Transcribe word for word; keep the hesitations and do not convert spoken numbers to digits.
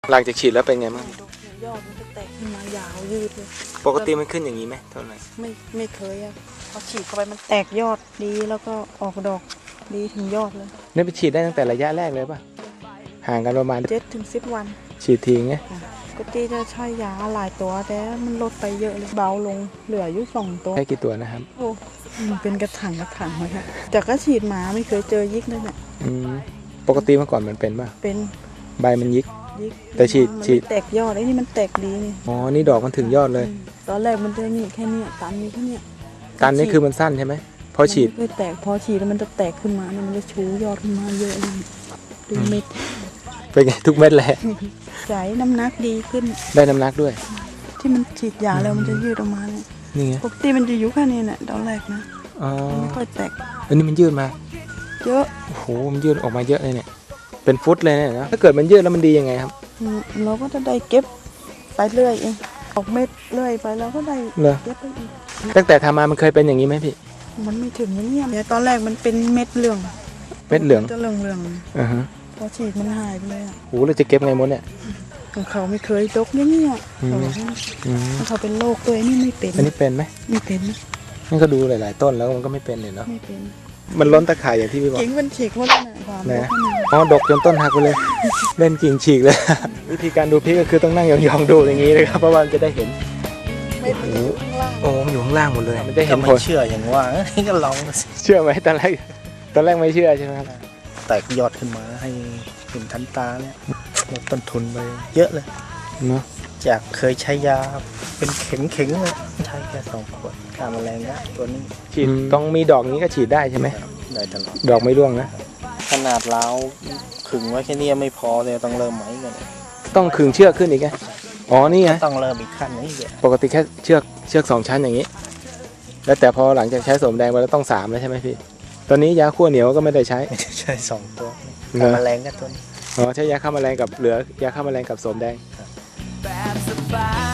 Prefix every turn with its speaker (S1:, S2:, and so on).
S1: หลังจากฉีดแล้วเป็นไงบ้าง
S2: ยอดมันจะแตกขึ้นมายาวยืดเลย
S1: ปกติมันขึ้นอย่างนี้ไหมเท่าไหร่
S2: ไม่ไม่เคยอะพอฉีดเข้าไปมันแตกยอดดีแล้วก็ออกดอกดีถึงยอดเลย
S1: นี่ไปฉีดได้ตั้งแต่ระยะแรกเลยป่ะห่างกันประมาณ
S2: เจ็ดถึงสิบวัน
S1: ฉีดทีไง
S2: ปกติจะใช้ยาหลายตัวแต่มันลดไปเยอะเลยเบาลงเหลืออยู่สองตัว
S1: ใช้กี่ตัวนะครับ
S2: โอ้มันเป็นกระถางกระถางเลยค่ะจากก็ฉีดหมาไม่เคยเจอยิกเลยเนี่ย
S1: ปกติเมื่อก่อนมันเป็นป่ะ
S2: เป็น
S1: ใบมันยิกแต่ฉีดฉีด
S2: แตกยอดไอ้นี่มันแตกดีนี่
S1: อ๋อนี่ดอกมันถึงยอดเลย
S2: ตอนแรกมันจะนี่แค่นี้ตันนี้แค่นี้
S1: ตันนี้คือมันสั้นใช่ไหมพอฉีด
S2: ไม่แตกพอฉีดแล้วมันจะแตกขึ้นมามันจะชูยอดขึ้นมาเยอะเลยดูเม็ด
S1: เป็นไงทุกเม็ดเลย
S2: ใส่น้ำหนักดีขึ้น
S1: ได้น้ำหนักด้วย
S2: ที่มันฉีดยาแล้วมันจะยืดออกมาเนี่ย
S1: นี่ไง
S2: ปกติมันจะอยู่แค่นี้เนี่ยตอนแรกนะ
S1: อ๋อ
S2: ไม่ค่อยแตก
S1: อันนี้มันยืดมา
S2: เยอะ
S1: โอ้โหมันยืดออกมาเยอะเลยเนี่ยเป็นฟุตเลยเนี่ยนะถ้าเกิดมันยืดแล้วมันดียังไงครับ
S2: เราก็จะได้เก็บไปเรื่อยเองออกเม็ดเรื่อยไปแล้วก็ได้เก็บไปอีก
S1: ตั้งแต่ทำมามันเคยเป็นอย่างนี้ไหมพี่
S2: มันไม่ถึงอย่างนี้แต่ตอนแรกมันเป็นเม็ดเหลือง
S1: เม็ดเหลือง
S2: จะเหลืองเหลือง
S1: อ่าฮะ
S2: พอฉีดมันหายไปเลยอ่ะ
S1: โหเราจะเก็บไงมดเนี่ย
S2: ของเขาไม่เคยตกอย่างนี้อ่ะเขาเขาเป็นโรคตัวนี้ไม่เป็น
S1: อันนี้เป็นไหม
S2: ไม่เป็น
S1: นั่นก็ดูหลายๆต้นแล้วมันก็ไม่เป็นเลยเนาะ
S2: ไม่เป็น
S1: มันล้นตะข่ายอย่างที่พี่บอก
S2: กิ่งมันฉีกหมดเลยนะ
S1: อ๋อดกจนต้นหักไปเลยเล่นกิ่งฉีกเลยวิธีการดูพริกก็คือต้องนั่งยองๆดูอย่างนี้เลยครับเพราะว่าจะได้เห็น
S2: ไม่เป็นอยู่ข้างล่าง
S1: โอ้มันอยู่ข้างล่างหมดเลยมันจะเห็นผล
S3: เชื่ออย่างว่านี่ก็ลอง
S1: เชื่อไหมตอนแรกตอนแรกไม่เชื่อใช่ไหมครับ
S3: แตกยอดขึ้นมาให้เห็นทันตาเนี่ยลดต้นทุนไปเยอะเลย
S1: เนาะ
S3: จากเคยใช้ยาเป็นเข็มเข็งเลยใช้แค่สองขวดฆ่าแมลงได้ตัวนี้
S1: ฉีดต้องมีดอกนี้ก็ฉีดได้ใช่ไหม
S3: ได้ตลอด
S1: ดอกไม่ร่วงนะ
S3: ขนาดล้าวขึงไว้แค่นี้ไม่พอเลยต้องเริ่มไหมกัน
S1: ต้องขึงเชือกขึ้นอีกไงอ๋อนี่ไง
S3: ต้องเริ่มอีกขั้นนี้
S1: ปกติแค่เชือกเชือกสองชั้นอย่างนี้แล้วแต่พอหลังจากใช้โสมแดงไปแล้วต้องสามแล้วใช่ไหมพี่ตอนนี้ยาขั้วเหนียวก็ไม่ได้ใช้
S3: ไม่ได้ใช้สองตัวฆ่าแมลงก็ตัวนี้
S1: อ๋อใช้ยาฆ่าแมลงกับเหลือยาฆ่าแมลงกับโสมแดง